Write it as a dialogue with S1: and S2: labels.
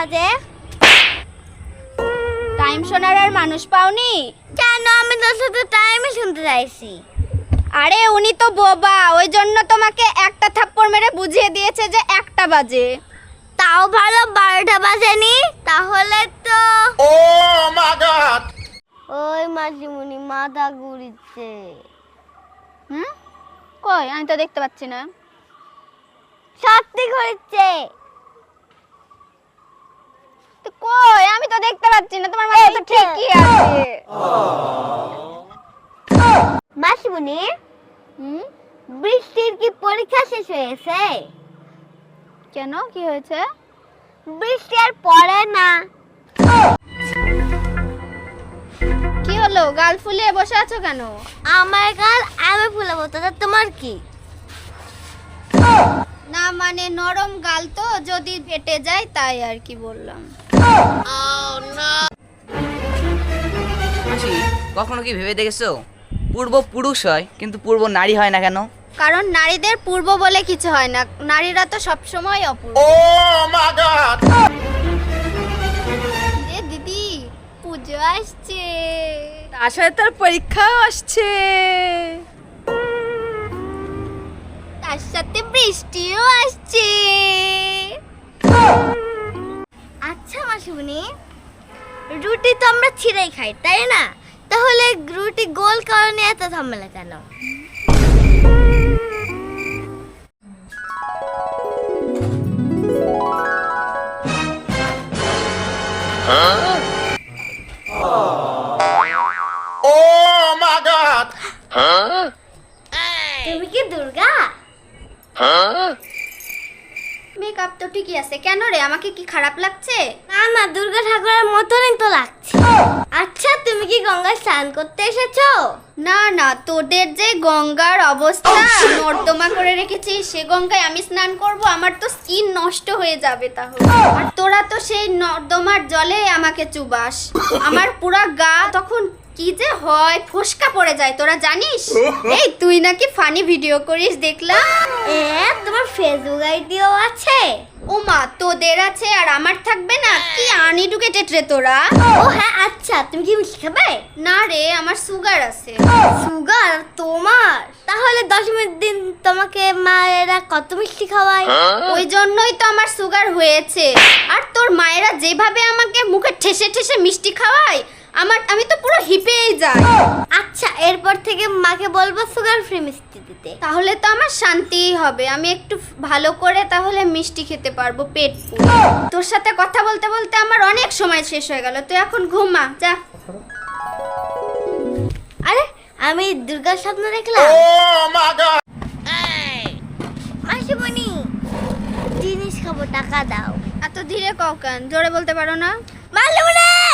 S1: বাজে?
S2: টাইম শোনার আর মানুষ পাওনি?
S1: কেন, আমি তো শুধু টাইমই শুনতে চাইছি।
S2: আরে উনি তো বোবা, ওই জন্য তোমাকে একটা থাপ্পড় মেরে বুঝিয়ে দিয়েছে যে 1টা বাজে।
S1: তাও ভালো 12টা বাজেনি। তাহলে তো ওই মাসিমণি মাথা ঘুরিচ্ছে।
S2: কই, আমি তো দেখতে পাচ্ছি না।
S1: সত্যি ঘুরিচ্ছে।
S2: তো কই, আমি তো দেখতে পাচ্ছি না, তোমার মাথা তো ঠিকই আছে।
S1: মাসিমণি, বৃষ্টির কি পরীক্ষা শেষ হয়েছে?
S2: কেন, কি হয়েছে?
S1: বৃষ্টি আর পড়ে না।
S2: কি হলো, গাল ফুলিয়ে বসে আছো কেন?
S1: আমার গাল আমি ফুলাবো, তাতে তোমার কি?
S2: না মানে নরম গাল তো, যদি ফেটে যায় তাই আর কি বললাম।
S3: মাসি, কখনো কি ভেবে দেখেছো পূর্ব পুরুষ হয় কিন্তু পূর্ব নারী হয় না কেন?
S2: কারণ নারীদের পূর্ব বলে কিছু হয় না, নারীরা তো সবসময় অপূর্ব। এ দিদি, পুজো আসছে,
S4: তার সাথে তার পরীক্ষাও আসছে।
S2: তার সাথে বৃষ্টিও আসছে।
S1: আচ্ছা মাসিমণি, রুটি তো আমরা ছিঁড়েই খাই, তাই না? তাহলে রুটি গোল কারণে এত ঝামেলা কেন? তুমি কি দুর্গা?
S2: মেকআপ তো ঠিকই আছে, কেন রে, আমাকে কি খারাপ লাগছে?
S1: না না, দুর্গা ঠাকুরের মতনই তো লাগছে। আচ্ছা, তুমি কি গঙ্গায় স্নান করতে এসেছো?
S2: না না, তোদের যে গঙ্গার অবস্থা, নর্দমা করে রেখেছিস, সে গঙ্গায় আমি স্নান করব? আমার তো স্কিন নষ্ট হয়ে যাবে তাহলে। আর তোরা তো সেই নর্দমার জলে আমাকে চুবাস, আমার পুরা গা তখন কি যে হয়, ফোসকা পড়ে যায়, তোরা জানিস? এই তুই নাকি ফানি ভিডিও করিস দেখলাম।
S1: তোমার ফেসবুক আইডিও আছে?
S2: ও মা, তোদের আছে আর আমার থাকবে না? কি আনএডুকেটেড রে তোরা।
S1: ও হ্যাঁ, আচ্ছা তুমি কি মিষ্টি খাবে?
S2: না রে, আমার সুগার আছে।
S1: সুগার তোমার? তাহলে দশমীর দিন তোমাকে মায়েরা কত মিষ্টি খাওয়ায়?
S2: ওই জন্যই তো আমার সুগার হয়েছে। আর তোর মায়েরা যেভাবে আমাকে মুখে ঠেসে ঠেসে মিষ্টি খাওয়ায়, আমি তো পুরো হিপেই যাই।
S1: আচ্ছা, এরপর থেকে মাকে বলবো সুগার ফ্রি মিষ্টি দিতে।
S2: তাহলে তো আমার শান্তিই হবে, আমি একটু ভালো করে তাহলে মিষ্টি খেতে পারবো পেট পুরে। তোর সাথে কথা বলতে বলতে আমার অনেক সময় শেষ হয়ে গেল, তুই এখন ঘুমা যা।
S1: আরে, আমি দুর্গার স্বপ্ন দেখলাম। মাসিমণি, জিনিস খাবো, টাকা দাও।
S2: এত ধীরে কও কেন, জোরে বলতে পারো না?
S1: মাসিমণি!